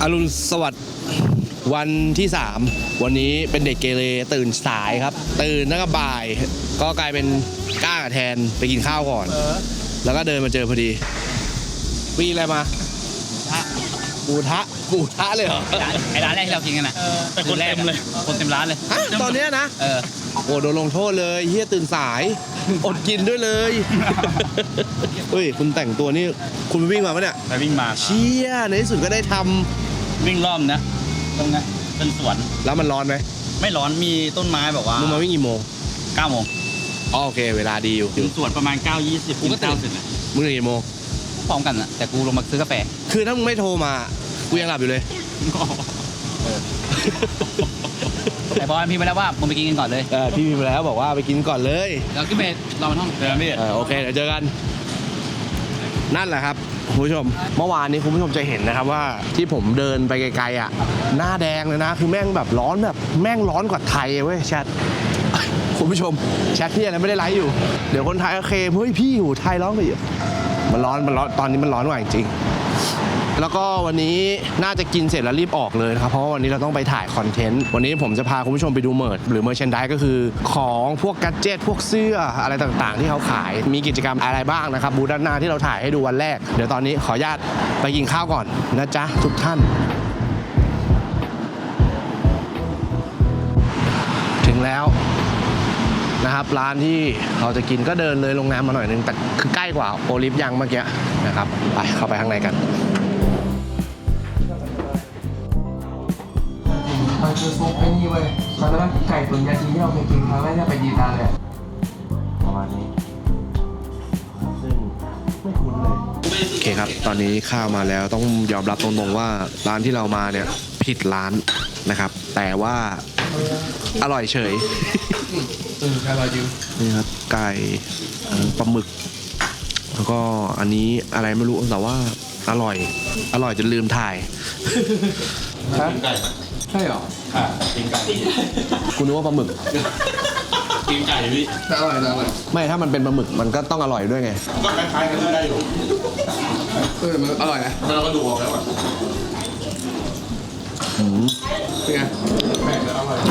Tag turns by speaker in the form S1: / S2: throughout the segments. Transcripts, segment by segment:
S1: รุณสวัสดิ์วันที่3วันนี้เป็นเด็กเกเรตื่นสายครับตื่นตั้งแต่บ่ายก็กลายเป็นก้ากับแทนไปกินข้าวก่อนแล้วก็เดินมาเจอพอดีวีอะไรมากูทะเลยเหรอ
S2: ไอ้ร้านแรกที่เรากินกันนะแต่คนเต็มเลยคนเต็มร้านเลย
S1: ตอนนี้นะโอ้โดนลงโทษเลยเฮียตื่นสายอดกินด้วยเลยเฮ้ยคุณแต่งตัวนี่คุณวิ่งมาปะเนี่ย
S2: ไปวิ่งมา
S1: เชี่ยในที่สุดก็ได้ทำ
S2: วิ่งรอบนะตรงนี้เป็นสวน
S1: แล้วมันร้อนไหม
S2: ไม่ร้อนมีต้นไม้แบบว่า
S1: มึงมาวิ่งกี่โมง
S2: 9 โมง
S1: โอเคเวลาดีอยู่
S2: ถึงสวนประมาณ9:20กูก็ตื่น
S1: มึงตื่นกี่โมง
S2: พร้อมกันนะแต่กูลงมาซื้อกาแฟ
S1: คือถ้ามึงไม่โทรมากูยังหลับอยู่เลย
S2: แต่บอลพี่มาแล้วว่ามึงไปกินกันก่อนเลย
S1: พี่พิมพ์แล้วบอกว่าไปกินก่อนเลย
S2: แล้วขึ้นไปรอมันห้องเดี๋ยวพี่
S1: โอเคเดี๋ยวเจอกันนั่นแหละครับคุณผู้ชมเมื่อวานนี้คุณผู้ชมจะเห็นนะครับว่าที่ผมเดินไปไกลๆอ่ะหน้าแดงเลยนะคือแม่งแบบร้อนแบบแม่งร้อนกว่าไทยเว้ยแชทคุณผู้ชมแชทที่อะไรไม่ได้ไลฟ์อยู่เดี๋ยวคนไทยโอเคเฮ้ยพี่อยู่ไทยร้อนไปอยู่มันร้อนตอนนี้มันร้อนกว่าจริงแล้วก็วันนี้น่าจะกินเสร็จแล้วรีบออกเลยนะครับเพราะว่าวันนี้เราต้องไปถ่ายคอนเทนต์วันนี้ผมจะพาคุณผู้ชมไปดูเมิร์ชหรือเมอร์แชนไดส์ก็คือของพวกแกดเจ็ตพวกเสื้ออะไรต่างๆที่เขาขายมีกิจกรรมอะไรบ้างนะครับบูธด้านหน้าที่เราถ่ายให้ดูวันแรกเดี๋ยวตอนนี้ขออนุญาตไปกินข้าวก่อนนะจ๊ะทุกท่านถึงแล้วนะครับร้านที่เราจะกินก็เดินเลยโรงแรมมาหน่อยนึงแต่คือใกล้กว่าโอลิฟยังเมื่อกี้นะครับไปเข้าไปข้างในกัน
S3: มันคือซุปไอ้นี่เว้ยมันเป็นไก่ตุ๋นยาจีนที่เราเคยกินครั้งแรกที่ไปดีตาเลย
S1: ประมาณนี้ซึ่งไม่คุ้นเลยโอเคครับตอนนี้ข้าวมาแล้วต้องยอมรับตรงๆว่าร้านที่เรามาเนี่ยผิดร้านนะครับแต่ว่าอร่อยเฉย
S3: อร่อยจริง
S1: นี่ครับไก่ปลาหมึกแล้วก็อันนี้อะไรไม่รู้แต่ว่าอร่อยจนลืมถ่าย
S3: ไก่ใช่หรอ
S1: กินไก่คุณนึกว่าปลาหมึก
S3: กินไก่พี่อร่อย
S1: ไม่ถ้ามันเป็นปลาหมึกมันก็ต้องอร่อยด้วยไง
S3: ก็คล้ายๆกันได้อยู่มันอร่อยนะเราก็ดูออกแล้วอ่ะเป็นไงแม่งอร่อย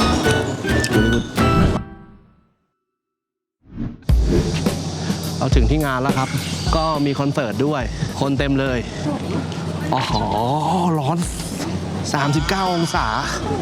S1: เราถึงที่งานแล้วครับก็มีคอนเสิร์ตด้วยคนเต็มเลยอ๋อร้อน39 องศา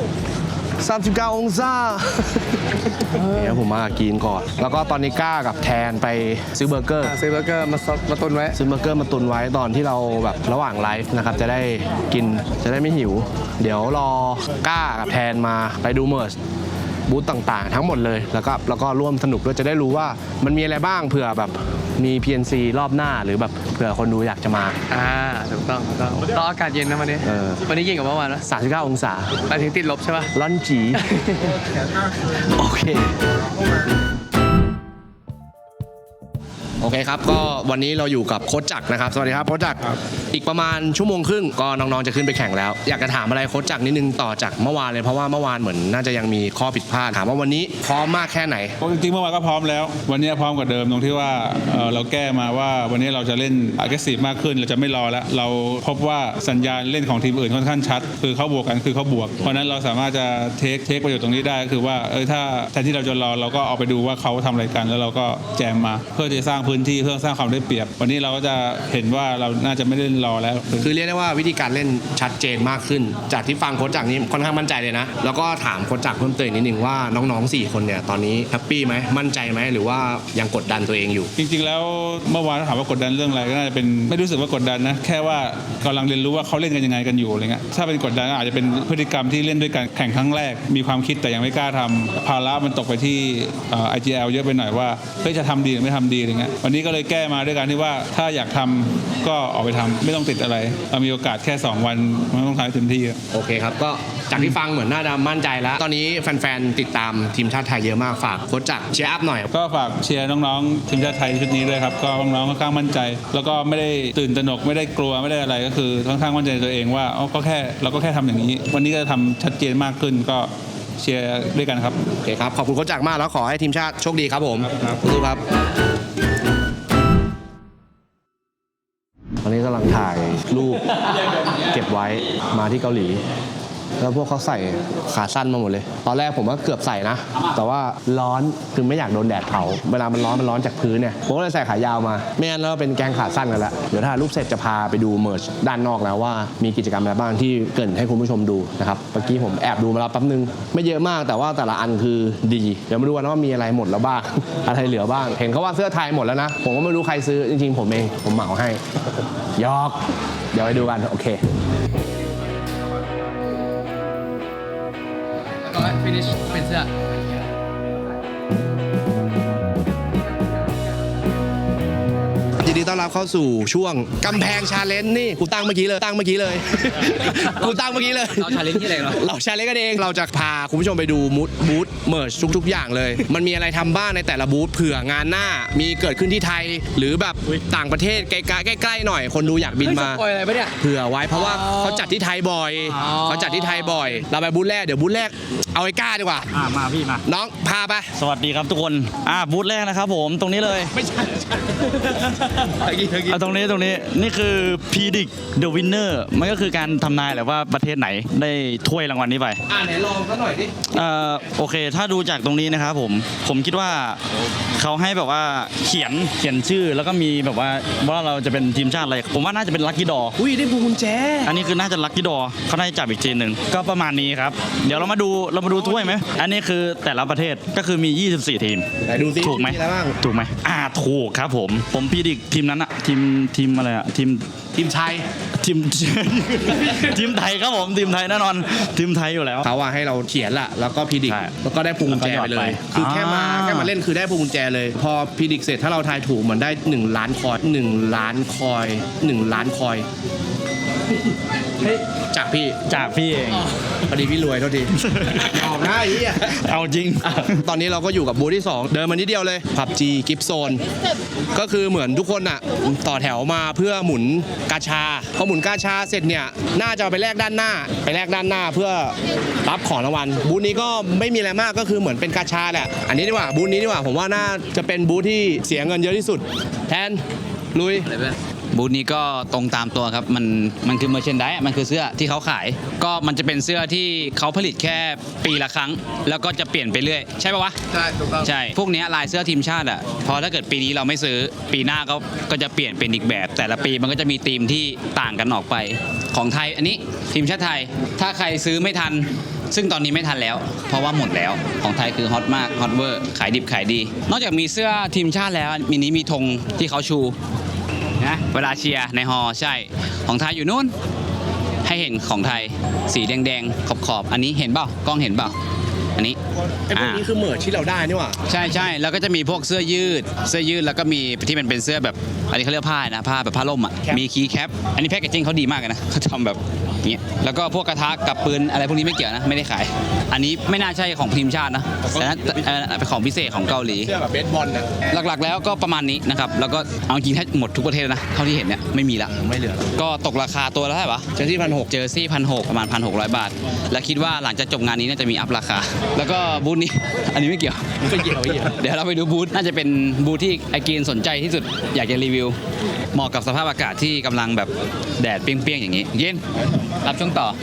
S1: เดี๋ยวผมมากินก่อนแล้วก็ตอนนี้ก้ากับแทนไปซื้อเบอร์เกอร์
S3: มาตุนไว้
S1: ซื้อเบอร์เกอร์มาตุนไว้ตอนที่เราแบบระหว่างไลฟ์นะครับจะได้กินจะได้ไม่หิวเดี๋ยวรอก้ากับแทนมาไปดูเมิร์ชบูธต่างๆทั้งหมดเลยแล้วก็ร่วมสนุกด้วยจะได้รู้ว่ามันมีอะไรบ้างเผื่อแบบมี PNC รอบหน้าหรือแบบเผื่อคนดูอยากจะมา
S3: ถูกต้องรออากาศเย็นนะวันนี้วันนี้เย็นกว่าเมื่อวานนะ
S1: 39 องศา
S3: ไปถึงติดลบใช่ป่ะ
S1: ร้อนจีโอเคครับก็วันนี้เราอยู่กับโค้ชจักรนะครับสวัสดีครับโค้ชจักรอีกประมาณชั่วโมงครึ่งก็น้องๆจะขึ้นไปแข่งแล้วอยากจะถามอะไรโค้ชจักรนิดนึงต่อจากเมื่อวานเลยเพราะว่าเมื่อวานเหมือนน่าจะยังมีข้อผิดพลาดถามว่าวันนี้พร้อมมากแค่ไหน
S4: จริงๆเมื่อวานก็พร้อมแล้ววันนี้พร้อมกว่าเดิมตรงที่ว่าเราแก้มาว่าวันนี้เราจะเล่น aggressive มากขึ้นเราจะไม่รอแล้วเราพบว่าสัญญาณเล่นของทีมอื่นค่อนข้างชัดคือเขาบวกกันคือเขาบวกเพราะนั้นเราสามารถจะเทคประโยชน์ตรงนี้ได้คือว่าถ้าแทนที่เราจะรอเราก็เอาไปดูว่าเขาทำอะไรกันแล้วเราก็แจมมาเพื่อจะสร้างพื้นที่เพื่อสร้างความได้เปรียบวันนี้เราก็จะเห็นว่าเราน่าจะไม่เล่นรอแล้ว
S1: คือเรียกได้ว่าวิธีการเล่นชัดเจนมากขึ้นจากที่ฟังโค้ชจักรนี้ค่อนข้างมั่นใจเลยนะแล้วก็ถามโค้ชจักรเพิ่มเติมนิดนึงว่าน้องๆ4คนเนี่ยตอนนี้แฮปปี้ไหมมั่นใจไหมหรือว่ายังกดดันตัวเองอยู่
S4: จริงๆแล้วเมื่อวานถามว่ากดดันเรื่องอะไรก็น่าจะเป็นไม่รู้สึกว่ากดดันนะแค่ว่ากำลังเรียนรู้ว่าเขาเล่นกันยังไงกันอยู่อะไรเงี้ยถ้าเป็นกดดันอาจจะเป็นพฤติกรรมที่เล่นด้วยกันแข่งครั้งแรกมีความคิดแต่ยังไม่กล้าทำภาระมันตกไปที่IGL เยอะไปหน่อยว่าจะทำดีหรือไม่ทำดีอะไรเงี้ยวันนี้ก็เลยแก้มาด้วยการที่ว่าถ้าอยากทำก็ออกไปทำไม่ต้องติดอะไรเรามีโอกาสแค่2 วันมันต้องทำให้เต็มที่
S1: โอเคครับก็จากที่ฟังเหมือนน่าจะมั่นใจแล้วตอนนี้แฟนๆติดตามทีมชาติไทยเยอะมากฝากโค้ชจักรเชียร์อัพหน่อย
S4: ก็ฝากเชียร์น้องๆทีมชาติไทยชุดนี้ด้วยครับก็น้องๆค่อนข้างมั่นใจแล้วก็ไม่ได้ตื่นตระหนกไม่ได้กลัวไม่ได้อะไรก็คือค่อนข้างมั่นใจตัวเองว่าเราก็แค่ทำอย่างนี้วันนี้ก็ทำชัดเจนมากขึ้นก็เชียร์ด้วยกันครับ
S1: โอเคครับขอบคุณโค้ชจักรมากแล้วขอให้ทีมชาติโชคดีครับผมสู้ครับอนนี้กำลังถ่ายรูปเก็บไว้มาที่เกาหลี แล้วพวกเขาใส่ขาสั้นมาหมดเลย ตอนแรกผมก็เกือบใส่นะ แต่ว่าร้อนคือไม่อยากโดนแดดเผาเวลามันร้อนจากพื้นเนี่ยผมก็เลยใส่ขายาวมาไม่งั้นเราเป็นแกงขาสั้นกันแล้วเดี๋ยวถ้ารูปเสร็จจะพาไปดูเมิร์ชด้านนอกแล้วว่ามีกิจกรรมอะไรบ้างที่เกริ่นให้คุณผู้ชมดูนะครับเมื่อกี้ผมแอบดูมาแล้วแป๊บนึงไม่เยอะมากแต่ว่าแต่ละอันคือดีเดี๋ยวมาดูกันว่ามีอะไรหมดแล้วบ้าง อะไรเหลือบ้างเห็นเขาว่าเสื้อไทยหมดแล้วนะผมก็ไม่รู้ใครซื้อจริงๆผมเองผมเหมาให้ยอกเดี๋ยวไปดูกันโอเค
S2: ก็ finish เป็นเสื้อ
S1: ยินดีต้อนรับเข้าสู่ช่วงกำแพงชาเลนจ์นี่กูตั้งเมื่อกี้เลย กูตั้งเมื่อกี้เลย
S2: เรา challenge ที่อะไรเหรอ
S1: เราชาเลนจ์กันเองเราจะพาคุณผู้ชมไปดูบูธเมิร์ชทุกๆอย่างเลย มันมีอะไรทำบ้างในแต่ละบูธเผื่องานหน้ามีเกิดขึ้นที่ไทย หรือแบบต่างประเทศใกล้ๆหน่อยคนดูอยากบินมา
S2: ปล่อยอะไรปะเนี่ย
S1: เผื่อไว้เพราะว่าเขาจัดที่ไทยบ่อยเขาจัดที่ไทยบ่อย เราไปบูธแรกเดี๋ยวบูธแรกเอาไอ้ก้าดีกว่า
S2: มาพี่มา
S1: น้องพาไป
S5: สวัสดีครับทุกคนบูธแรกนะครับผมตรงนี้เลย
S1: ไม่ใช่
S5: ตรงนี้นี่คือ Predict the Winner มันก็คือการทำนายแหละว่าประเทศไหนได้ถ้วยรางวัลนี้ไป
S1: ไหนลองซะหน่อยดิ
S5: โอเค ถ้าดูจากตรงนี้นะครับผมคิดว่าเขาให้แบบว่าเขียนชื่อแล้วก็มีแบบว่าเราจะเป็นทีมชาติอะไรผมว่าน่าจะเป็นลัคกี้ดอ
S1: อุ้ยได้พวงกุญแจ
S5: อันนี้คือน่าจะลัคกี้ดอเขาน่าจะจับอีกทีหนึ่งก็ประมาณนี้ครับเดี๋ยวเรามาดูถ้วยไหมอันนี้คือแต่ละประเทศก็คือมี 24 ทีม
S1: ไหนดูสิ
S5: ถูกไหม
S1: อะไรบ้าง
S5: ถูกไหมถูกครับผมพีดิกทีมนั้นอะทีมอะไรอะ
S1: ทีมไทย
S5: ทีม ทีมไทยครับผมทีมไทยแน่นอนทีมไทยอยู่แล้ว
S1: เขาว่าให้เราเขียนละแล้วก็พิดิก
S5: ใช่
S1: แล้วก็ได้พวงกุญแจไปเลย คือแค่มาเล่นคือได้พวงกุญแจเลย พอพิดิกเสร็จถ้าเราทายถูกเหมือนได้1 ล้านคอย1 ล้านคอย1 ล้านคอยจากพี่
S5: จากพี่เอง
S1: พอดีพี่รวยเท่าทีออกหน้าอย่างนี้อ่ะ
S5: เอาจริง
S1: ตอนนี้เราก็อยู่กับบูธที่ 2 เดินมานิดเดียวเลย PUBG Gift Zone ก็คือเหมือนทุกคนอ่ะต่อแถวมาเพื่อหมุนกาชาพอหมุนกาชาเสร็จเนี่ยน่าจะเอาไปแลกด้านหน้าเพื่อรับของรางวัลบูธนี้ก็ไม่มีอะไรมากก็คือเหมือนเป็นกาชาแหละอันนี้ดีกว่าบูธนี้ดีกว่าผมว่าน่าจะเป็นบูธที่เสียเงินเยอะที่สุดแทนลุย
S2: บูธนี้ก็ตรงตามตัวครับมันคือเมอร์เชนไดมันคือเสื้อที่เขาขาย ก็มันจะเป็นเสื้อที่เขาผลิตแค่ปีละครั้ง แล้วก็จะเปลี่ยนไปเรื่อยใช่ป่าวะใช่ถูกต้องใช่พวกเนี้ยลายเสื้อทีมชาติอ่ะพอถ้าเกิดปีนี้เราไม่ซื้อปีหน้าก็จะเปลี่ยนเป็นอีกแบบ แต่ละปีมันก็จะมีธีมที่ต่างกันออกไปของไทยอันนี้ทีมชาติไทยถ้าใครซื้อไม่ทันซึ่งตอนนี้ไม่ทันแล้วเพราะว่าหมดแล้วของไทยคือฮอตมากฮอตเวอร์ขายดิบขายดีนอกจากมีเสื้อทีมชาติแล้วมีธงที่เขาชูนะเวลาเชียร์ในฮอลล์ใช่ของไทยอยู่นู่นให้เห็นของไทยสีแดงๆขอบๆอันนี้เห็นเปล่ากล้องเห็นเปล่าอันนี้
S1: ไอ้พวกนี้คือเมิร์ชที่เราได้นี่หว่า
S2: ใช่แล้วก็จะมีพวกเสื้อยืดแล้วก็มีที่มันเป็นเสื้อแบบอันนี้เขาเรียกผ้านะผ้าแบบผ้าล่มอ่ะมีคีย์แคปอันนี้แพ็กเกจจิ้งเขาดีมากเลยนะเขาทำแบบนี้แล้วก็พวกกระทะกับปืนอะไรพวกนี้ไม่เกี่ยวนะไม่ได้ขาย อันนี้ไม่น่าใช่ของทีมชาตินะแต่เป็นของพิเศษของเกาหลี
S1: เสื้อแบบเบสบอลน่ะ
S2: หลักๆแล้วก็ประมาณนี้นะครับแล้วก็เอาจริงแทบหมดทุกประเทศนะเท่าที่เห็นเนี่ยไม่มีละ
S1: ไม่เหลือแล้ว
S2: ก็ตกราคาตัวละเท่าไหร่วะ
S1: เจอที่1,600
S2: เจอซี่1,600ประมาณ 1,600 บาท และคิดว่าหลังจากจบงานนี้น่าจะมีอัพราคา แล้วก็บูธนี้ อันนี้ไม่เกี่ยว
S1: ไม่เกี่ยว
S2: เดี๋ยวเราไปดูบูธน่าจะเป็นบูธที่ไอกีนสนใจที่สุดอยากจะรีวิวเหมาะกับสภาพอากาศที่กำลังแบบแดดเปรี้ยงๆอย่างนี้ เย็นรับช่วงต่อ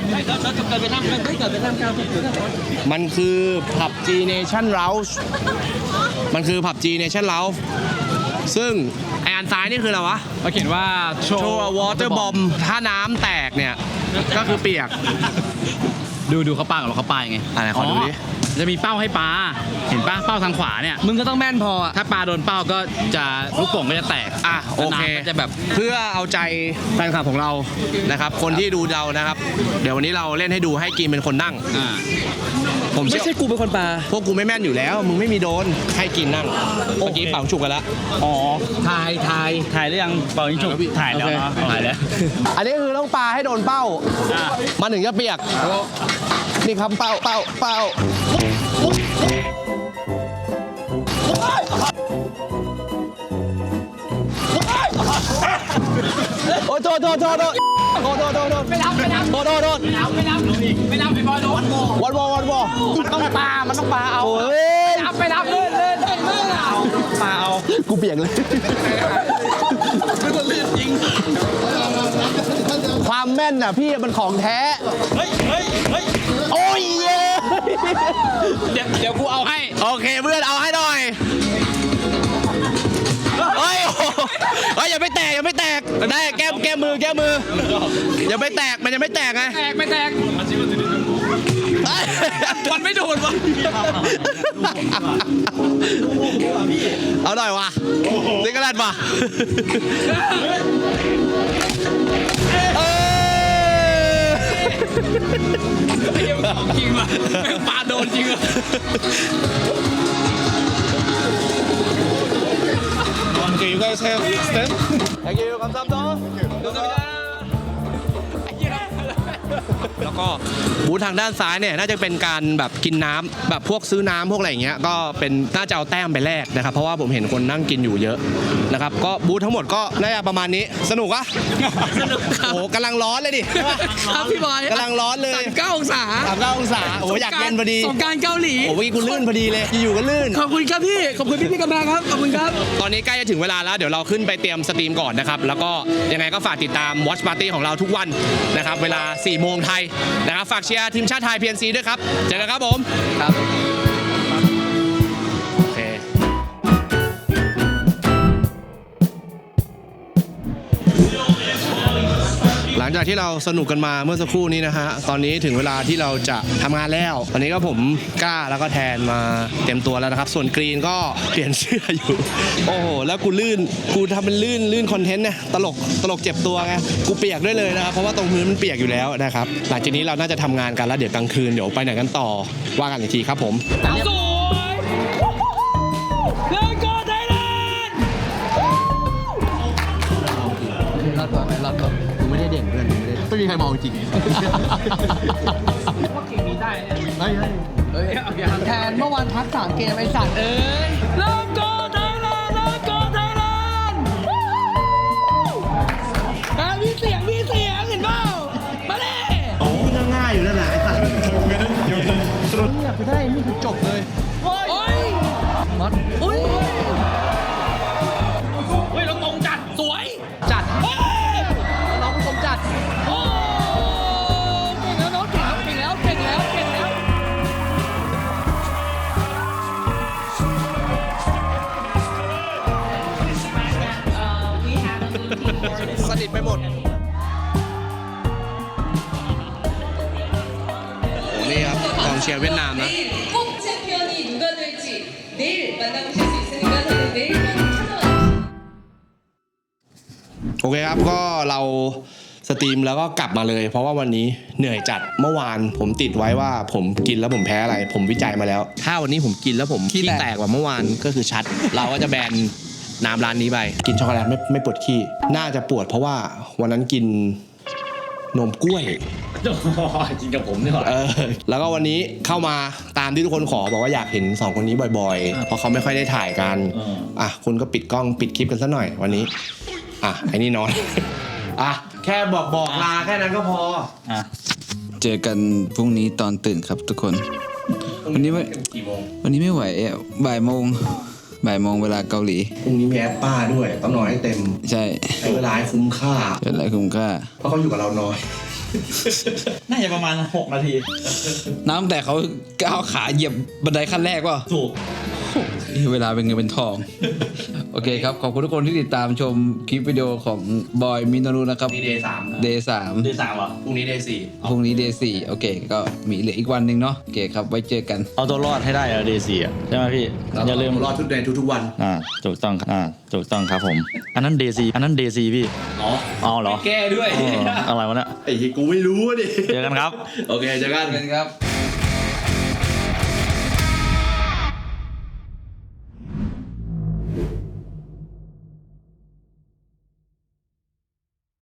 S1: มันคือ PUBG Nation Lounge มันคือ PUBG Nation Lounge ซึ่งไออันซ้ายนี่คืออะไรวะ
S2: เขาเขียนว่าโช
S1: โชว์วอเตอร์บอมถ้าน้ำแตกเนี่ย ก็คือเปียก
S2: ดูเขาปากับเขาปายังไง
S1: อะไรขอดูดิ
S2: จะมีเป้าให้ปาเห็นปะเป้าทางขวาเนี่ยมึงก็ต้องแม่นพออะถ้าปาโดนเป้าก็จะลูกโป่งก็จะแตก
S1: โอเค
S2: แล้วน้ำก็จะแบบ
S1: เพื่อเอาใจแฟนคลับของเรานะครับ คนที่ดูเรานะครับ เดี๋ยววันนี้เราเล่นให้ดูให้กินเป็นคนนั่ง ผม
S3: ไม่ใช่กูเป็นคนปา
S1: พวกกูไม่แม่นอยู่แล้ว มึงไม่มีโดนให้กินนั่งเมื่อกี้เป่าฉุกกันแล้ว
S5: อ๋อ
S1: ทาย
S5: ถ่ายหรือยังเป่ายิงฉุบถ่ายแล้วเนาะถ่ายแล้ว
S1: อันนี้คือต้องปาให้โดนเป้ามันถึงจะเปียกนี่ครับเป้าโอ้โทษไม่รับโทษไม่รับไปบอลโดนวันบอลมันต้องปาเอาไม่รับเล่นปาเอากูเปียกเลยความแม่นน่ะพี่มันของแท้
S5: เฮ้ยเฮ้ยเฮ้ย
S1: โอ้ยเย้
S2: เดี๋ยวกูเอาให้
S1: โอเคเพื่อนเอาให้หน่อยเฮ้ยโอ้โหเฮ้ยอย่าไม่แตกอย่าไม่แตกได้แก้มืออย่าไม่แตกมันยังไม่แตกไง
S2: ไม่แตกมันไม่โดนวะ
S1: เอาหน่อยวะนี่ก็ได้ปะเออ
S2: จริงว่ะแม่งปาโดนจริงว่ะ
S4: Okay, you guys have stand?
S1: Thank you คำซ้ำต่อแล้วก็บูธทางด้านซ้ายเนี่ยน่าจะเป็นการแบบกินน้ำแบบพวกซื้อน้ำพวกอะไรอย่างเงี้ยก็เป็นน่าจะเอาแต้มไปแลกนะครับเพราะว่าผมเห็นคนนั่งกินอยู่เยอะนะครับก็บูธทั้งหมดก็น่าจะประมาณนี้สนุกอะสนุกครับโอ้กำลังร้อนเลยดิ
S2: ครับพี่บอย
S1: กำลังร้อนเลย
S2: 9 องศา
S1: 39 องศาโอ้อยากเล่นพอดี
S2: สงกรานต์เกาหลี
S1: โอ้ยกูลื่นพอดีเลยอยู่ๆก็ลื่น
S2: ขอบคุณครับพี่ขอบคุณพี่กำลังครับขอบคุณครับ
S1: ตอนนี้ใกล้จะถึงเวลาแล้วเดี๋ยวเราขึ้นไปเตรียมสตรีมก่อนนะครับแล้วก็ยังไงก็ฝากติดตาม Watch Party ของเราทุกวันนะครับเวลา 4 โมงไทยนะครับฝากเชียร์ทีมชาติไทย PNC ด้วยครับเจอกันครับผมครับโอเคหลังจากที่เราสนุกกันมาเมื่อสักครู่นี้นะฮะตอนนี้ถึงเวลาที่เราจะทำงานแล้วตอนนี้ก็ผมกล้าแล้วก็แทนมาเต็มตัวแล้วนะครับส่วนกรีนก็เปลี่ยนเสื้ออยู่โอ้โหแล้วกูลื่นกูทำเป็นลื่นคอนเทนต์เนี่ยตลกเจ็บตัวไงกูเปียกด้วยเลยนะครับเพราะว่าตรงพื้นมันเปียกอยู่แล้วนะครับหลังจากนี้เราน่าจะทำงานกันแล้วเดี๋ยวกลางคืนเดี๋ยวไปไหนกันต่อว่ากันอีกทีครับผม
S2: สวยเลิกก่อนไทยแลนด์
S3: รอดก่อนรอดก่อนกูไม่ได้เด่นเพื่อนไม่มีใครมองจริงว่าเกมนี้ได้เนี่ยเฮ้ยแทนเมื่อวานพัก3 เกมไอ้สัตว์เอ้ย
S2: เลิกก่อนไทยแลนด์เลิกก่อนไทยแลนด์มีเสียงเห็นเปล่ามาเลย
S1: ง่ายอยู่นั่นแหละไอ้สัตว์
S3: เนี่ยคือได้นี่คือจบเลย
S2: โอ้ย
S3: มัด
S2: อุ้ยเฮ้ยเราตรงจัดสวย
S3: จัด
S2: เฮ้ย
S3: น้องผู้ชมจัด
S2: โอ้เก่งแล้วน้องเก่งแล้วเก่งแล้ว
S1: สนิทไปหมดโอ้นี่ครับกองเชียร์เวียดนามนะ
S6: 꼭 챔피언이 누가 될지 내일 만나보실 수 있으니까 저는 내일만 찾아와
S1: โอเคครับก็เราสตรีมแล้วก็กลับมาเลย เพราะว่าวันนี้เหนื่อยจัดเมื่อวานผมติดไว้ว่าผมกินแล้วผมแพ้อะไร ผมวิจัยมาแล้ว ถ้าวันนี้ผมกินแล้วผมขี้แตกกว่าเมื่อวานก็คือชัด เราก็จะแบนน้ำร้านนี้ไปกินช็อกโกแลตไม่ปวดขี้น่าจะปวดเพราะว่าวันนั้นกินนมกล้วย
S5: จริงกับผมนี่หรอ
S1: แล้วก็วันนี้เข้ามาตามที่ทุกคนขอบอกว่าอยากเห็น2คนนี้บ่อยๆ เพราะเขาไม่ค่อยได้ถ่ายกันคุณก็ปิดกล้องปิดคลิปกันซะหน่อยวันนี้ไอ้นี่นอน แค่บอกลาแค่นั้นก็พอ
S2: เจอกันพรุ่งนี้ตอนตื่นครับทุกคน วันนี้ไม่
S1: กี่โมง
S2: วันนี้ไม่ไหวบ่ายโมงเวลาเกาหลี
S1: พรุ่งนี้มีแอปป้าด้วยต้องนอนให้เต็ม
S2: ใช่
S1: ใช้เวลาให้คุ้มค่า
S2: เป็นไรคุ้มค่า
S1: เพราะเขาอยู่กับเราน้อย
S5: น่าจะประมาณ6 นาที
S2: น้ำแต่เขาก้าวขาเหยียบบันไดขั้นแรกว่ะ
S5: ถูก
S2: เวลาเป็นเงินเป็นทอง โอเคครับ ขอบคุณทุกคนที่ติดตามชมคลิปวิดีโอของบอยมินโนรุนะครับ
S1: นี่ day 3
S2: Day 3
S5: ที่3เหรอ
S1: พรุ่งนี้ day
S2: พรุ่งนี้ Day 4โอเค ก็มีเหลืออีกวันหนึ่งเนาะโอเคครับ ไว้เจอกัน
S5: เอาตัวรอดให้ได้เดย์4ใช่ไหมพี่
S1: 4
S5: อย่าลืม
S1: รอดทุกเดือนทุกๆวัน
S5: ถูกต้องครับผม อันนั้นเดย์4พี่ อ๋อเหรอ
S2: แก้ด้วย
S5: อะไรวะเนี่ย
S1: ไอ้ที่กูไม่รู้ดิ
S5: เจอกันครับ
S1: โอเคเจอกัน
S2: ครับ